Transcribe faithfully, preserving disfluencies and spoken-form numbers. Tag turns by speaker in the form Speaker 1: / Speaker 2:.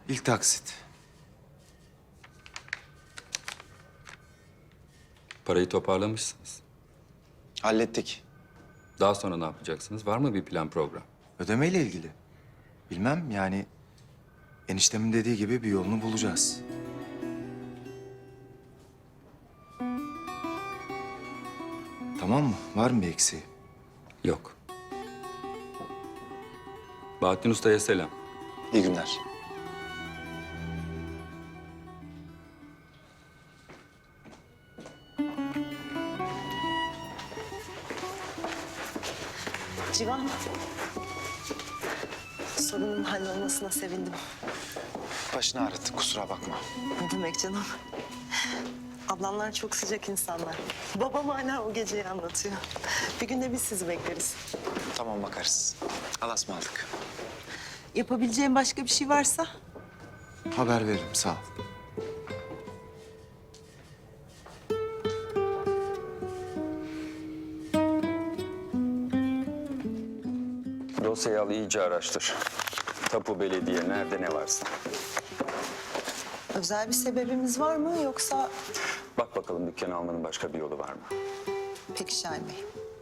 Speaker 1: İlk taksit.
Speaker 2: Parayı toparlamışsınız.
Speaker 1: Hallettik.
Speaker 2: Daha sonra ne yapacaksınız? Var mı bir plan program?
Speaker 1: Ödemeyle ilgili. Bilmem yani eniştemin dediği gibi bir yolunu bulacağız. Tamam mı? Var mı bir eksiği?
Speaker 2: Yok. Bahattin Usta'ya selam.
Speaker 1: İyi günler.
Speaker 3: Civan, sorunun hallolmasına sevindim.
Speaker 1: Başını ağrıttık, kusura bakma.
Speaker 3: Ne demek canım? Ablamlar çok sıcak insanlar. Babam hala o geceyi anlatıyor. Bir gün de biz sizi bekleriz.
Speaker 1: Tamam, bakarız. Allah'a ısmarladık.
Speaker 3: Yapabileceğim başka bir şey varsa
Speaker 1: Haber veririm, sağ ol.
Speaker 2: Dosyayı al, iyice araştır. Tapu, belediye, nerede ne varsa.
Speaker 3: özel bir sebebimiz var mı yoksa...
Speaker 2: Bak bakalım dükkanı almanın başka bir yolu var mı?
Speaker 3: Peki Şahin Bey.